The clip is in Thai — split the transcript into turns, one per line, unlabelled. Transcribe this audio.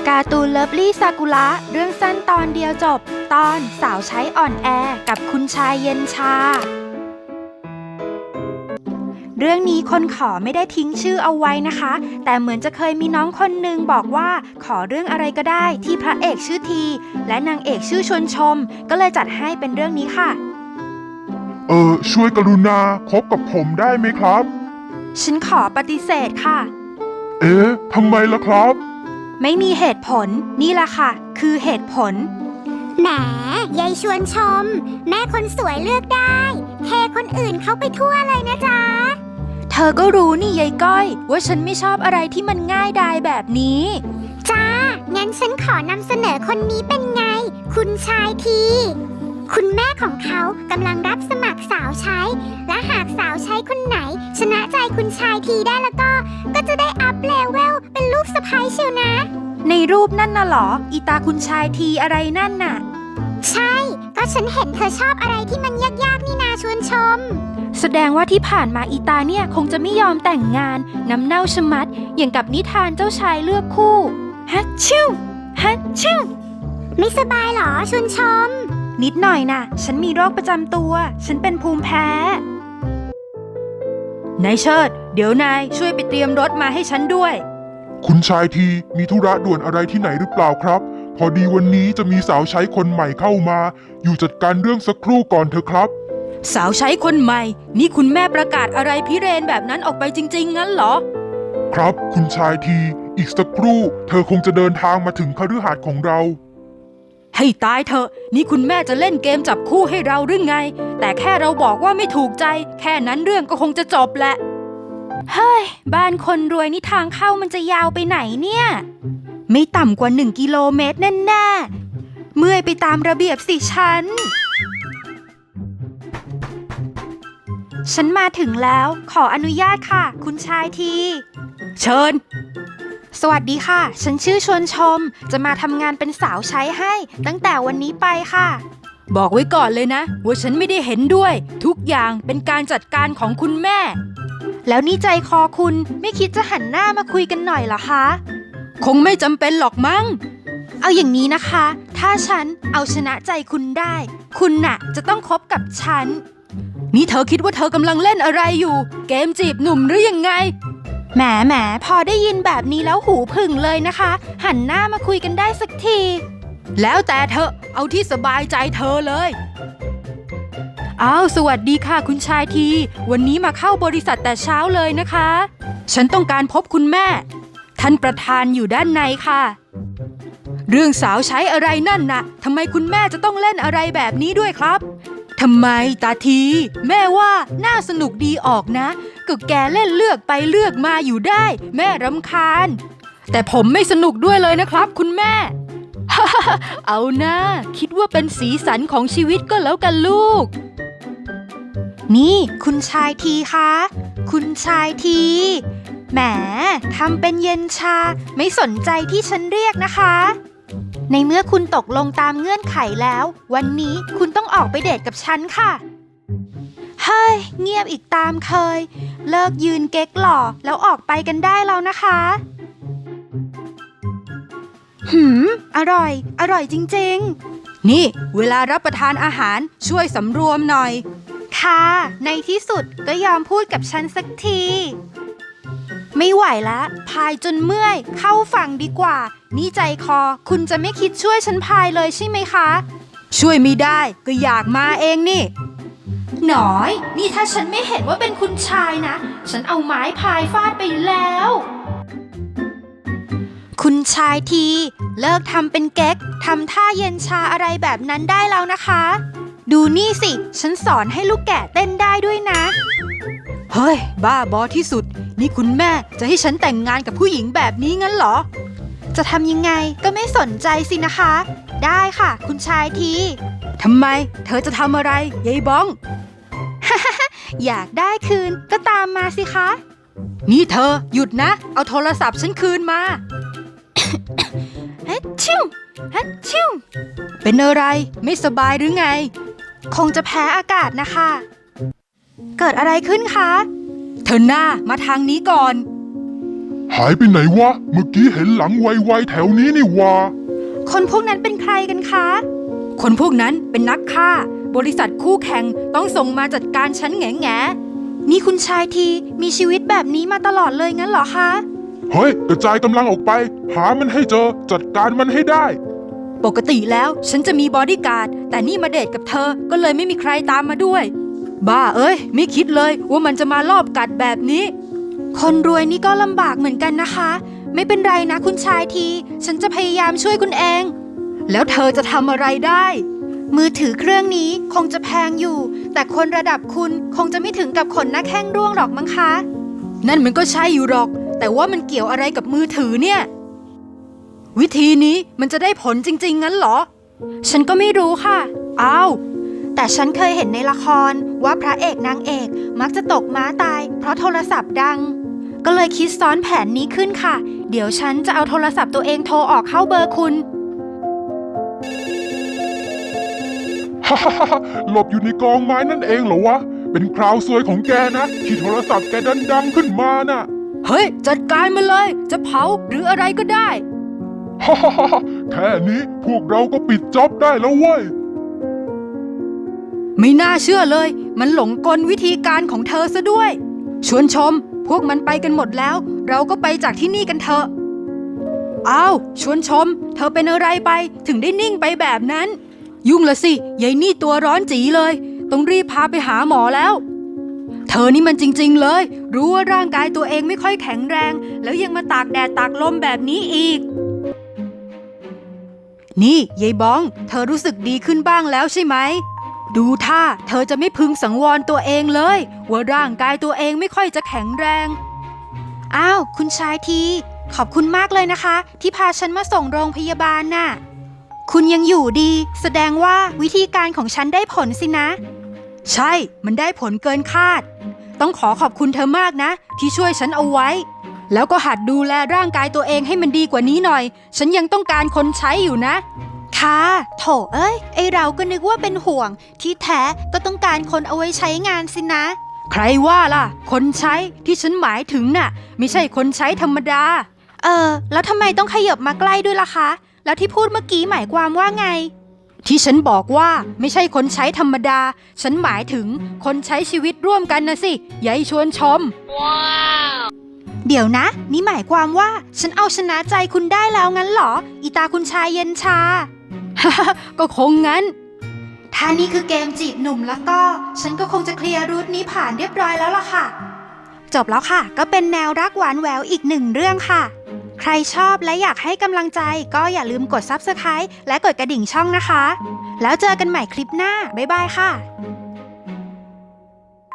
การ์ตูนเลิฟลี่ซากุระเรื่องสั้นตอนเดียวจบตอนสาวใช้อ่อนแอกับคุณชายเย็นชาเรื่องนี้คนขอไม่ได้ทิ้งชื่อเอาไว้นะคะแต่เหมือนจะเคยมีน้องคนหนึ่งบอกว่าขอเรื่องอะไรก็ได้ที่พระเอกชื่อทีและนางเอกชื่อชวนชมก็เลยจัดให้เป็นเรื่องนี้ค่ะ
ช่วยกรุณาคบกับผมได้ไหมครับ
ฉันขอปฏิเสธค่ะ
ทำไมล่ะครับ
ไม่มีเหตุผลนี่แหละค่ะคือเหตุผล
แหมยายชวนชมแม่คนสวยเลือกได้เทคนอื่นเขาไปทั่วเลยนะจ๊ะ
เธอก็รู้นี่ยายก้อยว่าฉันไม่ชอบอะไรที่มันง่ายดายแบบนี้
จ้างั้นฉันขอนำเสนอคนนี้เป็นไงคุณชายทีคุณแม่ของเขากำลังรับสมัครสาวใช้และหากสาวใช้คนไหนชนะใจคุณชายทีได้แล้วก็จะได้อัพเลเวลเป็นลูกสะใภ้เชียวนะ
ในรูปนั่นน่ะหรออีตาคุณชายทีอะไรนั่นน่ะ
ใช่ก็ฉันเห็นเธอชอบอะไรที่มันยากๆนี่นาชวนชม
แสดงว่าที่ผ่านมาอีตาเนี่ยคงจะไม่ยอมแต่งงานน้ำเน่าชะมัดอย่างกับนิทานเจ้าชายเลือกคู่ฮัทชิวฮัทชิว
ไม่สบายหรอชวนชม
นิดหน่อยน่ะฉันมีโรคประจำตัวฉันเป็นภูมิแพ้นายเชิดเดี๋ยวนายช่วยไปเตรียมรถมาให้ฉันด้วย
คุณชายทีมีธุระด่วนอะไรที่ไหนหรือเปล่าครับพอดีวันนี้จะมีสาวใช้คนใหม่เข้ามาอยู่จัดการเรื่องสักครู่ก่อนเถอะครับ
สาวใช้คนใหม่นี่คุณแม่ประกาศอะไรพิเรนแบบนั้นออกไปจริงๆงั้นเหรอ
ครับคุณชายทีอีกสักครู่เธอคงจะเดินทางมาถึงคฤหาสน์ของเรา
ให้ตายเถอะนี่คุณแม่จะเล่นเกมจับคู่ให้เราหรือไงแต่แค่เราบอกว่าไม่ถูกใจแค่นั้นเรื่องก็คงจะจบแหละเฮ้ยบ้านคนรวยนี่ทางเข้ามันจะยาวไปไหนเนี่ยไม่ต่ำกว่า1 กิโลเมตรแน่ๆเมื่อยไปตามระเบียบสิฉันมาถึงแล้วขออนุญาตค่ะคุณชายทีเชิญสวัสดีค่ะฉันชื่อชวนชมจะมาทำงานเป็นสาวใช้ให้ตั้งแต่วันนี้ไปค่ะบอกไว้ก่อนเลยนะว่าฉันไม่ได้เห็นด้วยทุกอย่างเป็นการจัดการของคุณแม่แล้วนี่ใจคอคุณไม่คิดจะหันหน้ามาคุยกันหน่อยเหรอคะคงไม่จำเป็นหรอกมั้งเอาอย่างนี้นะคะถ้าฉันเอาชนะใจคุณได้คุณน่ะจะต้องคบกับฉันนี่เธอคิดว่าเธอกำลังเล่นอะไรอยู่เกมจีบหนุ่มหรือยังไงแหมพอได้ยินแบบนี้แล้วหูผึ่งเลยนะคะหันหน้ามาคุยกันได้สักทีแล้วแต่เธอเอาที่สบายใจเธอเลยสวัสดีค่ะคุณชายทีวันนี้มาเข้าบริษัทแต่เช้าเลยนะคะฉันต้องการพบคุณแม่ท่านประธานอยู่ด้านในค่ะเรื่องสาวใช้อะไรนั่นน่ะทำไมคุณแม่จะต้องเล่นอะไรแบบนี้ด้วยครับทำไมตาทีแม่ว่าน่าสนุกดีออกนะก็แกเล่นเลือกไปเลือกมาอยู่ได้แม่รำคาญแต่ผมไม่สนุกด้วยเลยนะครับคุณแม่ เอานะคิดว่าเป็นสีสันของชีวิตก็แล้วกันลูกนี่คุณชายทีคะคุณชายทีแหมทำเป็นเย็นชาไม่สนใจที่ฉันเรียกนะคะในเมื่อคุณตกลงตามเงื่อนไขแล้ววันนี้คุณต้องออกไปเดทกับฉันค่ะเฮ้ยเงียบอีกตามเคยเลิกยืนเก๊กหล่อแล้วออกไปกันได้แล้วนะคะอร่อยจริงๆนี่เวลารับประทานอาหารช่วยสำรวมหน่อยค่ะในที่สุดก็ยอมพูดกับฉันสักทีไม่ไหวละพายจนเมื่อยเข้าฝั่งดีกว่านี่ใจคอคุณจะไม่คิดช่วยฉันพายเลยใช่ไหมคะช่วยไม่ได้ก็อยากมาเองนี่หน่อยนี่ถ้าฉันไม่เห็นว่าเป็นคุณชายนะฉันเอาไม้พายฟาดไปแล้วคุณชายทีเลิกทำเป็นเก๊กทำท่าเย็นชาอะไรแบบนั้นได้แล้วนะคะดูนี่สิฉันสอนให้ลูกแกะเต้นได้ด้วยนะเฮ้ยบ้าบอที่สุดนี่คุณแม่จะให้ฉันแต่งงานกับผู้หญิงแบบนี้งั้นเหรอจะทำยังไงก็ไม่สนใจสินะคะได้ค่ะคุณชายทีทำไมเธอจะทำอะไรยายบ้อง อยากได้คืนก็ตามมาสิคะนี่เธอหยุดนะเอาโทรศัพท์ฉันคืนมา ฮัทชิวฮัทชิวเป็นอะไรไม่สบายหรือไงคงจะแพ้อากาศนะคะเกิดอะไรขึ้นคะเธอหน้ามาทางนี้ก่อน
หายไปไหนวะ เมื่อกี้เห็นหลังไวๆแถวนี้นี่วะ
คนพวกนั้นเป็นใครกันคะ คนพวกนั้นเป็นนักฆ่า บริษัทคู่แข่งต้องส่งมาจัดการฉันแง่ๆนี่คุณชายทีมีชีวิตแบบนี้มาตลอดเลยงั้นเหรอคะ
เฮ้ย กระจายกำลังออกไป หามันให้เจอ จัดการมันให้ได้
ปกติแล้วฉันจะมีบอดี้การ์ดแต่นี่มาเดทกับเธอก็เลยไม่มีใครตามมาด้วย บ้าเอ้ยไม่คิดเลยว่ามันจะมาลอบกัดแบบนี้ คนรวยนี่ก็ลำบากเหมือนกันนะคะ ไม่เป็นไรนะคุณชายทีฉันจะพยายามช่วยคุณเอง แล้วเธอจะทำอะไรได้ มือถือเครื่องนี้คงจะแพงอยู่ แต่คนระดับคุณคงจะไม่ถึงกับขนหน้าแข้งร่วงหรอกมั้งคะ นั่นมันก็ใช่อยู่หรอก แต่ว่ามันเกี่ยวอะไรกับมือถือเนี่ย วิธีนี้มันจะได้ผลจริงๆงั้นเหรอ ฉันก็ไม่รู้ค่ะ อ้าว แต่ฉันเคยเห็นในละครว่าพระเอกนางเอกมักจะตกม้าตายเพราะโทรศัพท์ดัง ก็เลยคิดซ้อนแผนนี้ขึ้นค่ะ เดี๋ยวฉันจะเอาโทรศัพท์ตัวเองโทรออกเข้าเบอร์คุณ
ฮ่าฮ่าฮ่าหลบอยู่ในกองไม้นั่นเองเหรอวะ เป็นคราวซวยของแกนะ ที่โทรศัพท์แกดังขึ้นมาน่ะ
เฮ้ย จัดการมันเลย จะเผาหรืออะไรก็ได้
ฮ่าฮ่าฮ่าแค่นี้พวกเราก็ปิดจ็อบได้แล้วเว้ย
ไม่น่าเชื่อเลย มันหลงกลวิธีการของเธอซะด้วย ชวนชม พวกมันไปกันหมดแล้ว เราก็ไปจากที่นี่กันเถอะอ้าวชวนชม เธอเป็นอะไรไปถึงได้นิ่งไปแบบนั้น ยุ่งละสิยายนี่ตัวร้อนจีเลย ต้องรีบพาไปหาหมอแล้ว เธอนี่มันจริงๆเลย รู้ว่าร่างกายตัวเองไม่ค่อยแข็งแรง แล้วยังมาตากแดดตากลมแบบนี้อีก นี่ยายบ้อง เธอรู้สึกดีขึ้นบ้างแล้วใช่ไหม ดูท่าเธอจะไม่พึงสังวรตัวเองเลยว่าร่างกายตัวเองไม่ค่อยจะแข็งแรง อ้าวคุณชายทีขอบคุณมากเลยนะคะ ที่พาฉันมาส่งโรงพยาบาลน่ะคุณยังอยู่ดี แสดงว่าวิธีการของฉันได้ผลสินะ ใช่มันได้ผลเกินคาด ต้องขอขอบคุณเธอมากนะ ที่ช่วยฉันเอาไว้ แล้วก็หัดดูแลร่างกายตัวเองให้มันดีกว่านี้หน่อย ฉันยังต้องการคนใช้อยู่นะค่ะโถเอ้ยไอเราก็นึกว่าเป็นห่วง ที่แท้ก็ต้องการคนเอาไว้ใช้งานสินะ ใครว่าล่ะ คนใช้ที่ฉันหมายถึงน่ะ ไม่ใช่คนใช้ธรรมดา แล้วทำไมต้องขยับมาใกล้ด้วยล่ะคะ แล้วที่พูดเมื่อกี้หมายความว่าไง ที่ฉันบอกว่าไม่ใช่คนใช้ธรรมดา ฉันหมายถึงคนใช้ชีวิตร่วมกันนะสิยายชวนชม เดี๋ยวนะ นี่หมายความว่าฉันเอาชนะใจคุณได้แล้วงั้นเหรอ อีตาคุณชายเย็นชา ก็คงงั้น ถ้านี่คือเกมจีบหนุ่มแล้วก็ ฉันก็คงจะเคลียร์รูทนี้ผ่านเรียบร้อยแล้วล่ะค่ะ จบแล้วค่ะ ก็เป็นแนวรักหวานแหววอีกหนึ่งเรื่องค่ะ ใครชอบและอยากให้กำลังใจก็อย่าลืมกด Subscribe และกดกระดิ่งช่องนะคะ แล้วเจอกันใหม่คลิปหน้า บ๊ายบายค่ะ